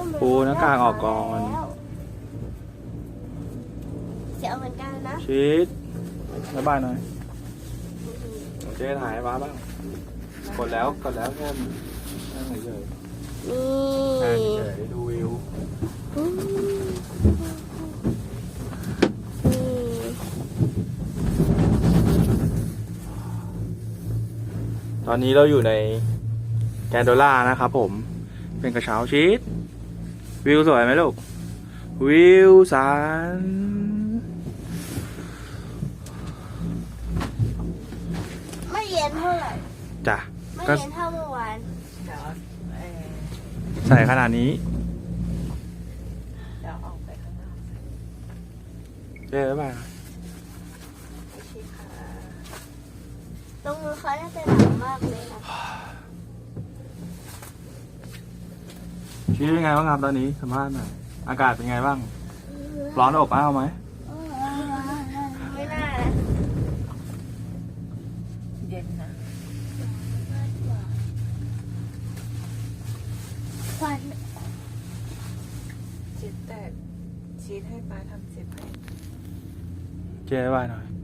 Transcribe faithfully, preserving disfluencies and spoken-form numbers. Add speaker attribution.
Speaker 1: ปูหน้ากากออกก่อน
Speaker 2: เสียวเหมือนกันนะ
Speaker 1: ชีสบ๊ายบายหน่อยเจ๊ถ่ายให้ป้าบ้างกดแล้วกดแล้วแค่นั่งเฉย
Speaker 2: นี่
Speaker 1: ๆนั่งเฉยๆดูวิว
Speaker 2: อืมนี่
Speaker 1: ตอนนี้เราอยู่ในแกนโดล่านะครับผมเป็นกระเช้าชีสวิวสวยไหมลูกวิวสัน
Speaker 2: ไม่เย็นเท่าไหร่
Speaker 1: จ้ะ
Speaker 2: ไม่
Speaker 1: ก็
Speaker 2: เย็นเท่าเมื่อวาน
Speaker 3: เดี๋ยวเอ่อ
Speaker 1: ใส่ขนาดนี้
Speaker 3: เดี๋ยวออกไปข้างนอก
Speaker 1: เจ๊บ๊ายบาย
Speaker 3: โอเคค่ะ
Speaker 2: ตรงมือเขาน่าจะหนาวมากเลยนะ
Speaker 1: ชีสเป็นไงบ้างครับตอนนี้สัมภาษณ์หน่อยอากาศเป็นไงบ้างร้อนอบอ้าวไหม
Speaker 2: ไม่น่านะ
Speaker 3: เย็นนะ
Speaker 2: ควัน
Speaker 3: ชีสแตกชีสให้ป้าทำเสร็จไหม
Speaker 1: เจ๊บ๊ายบายหน่อย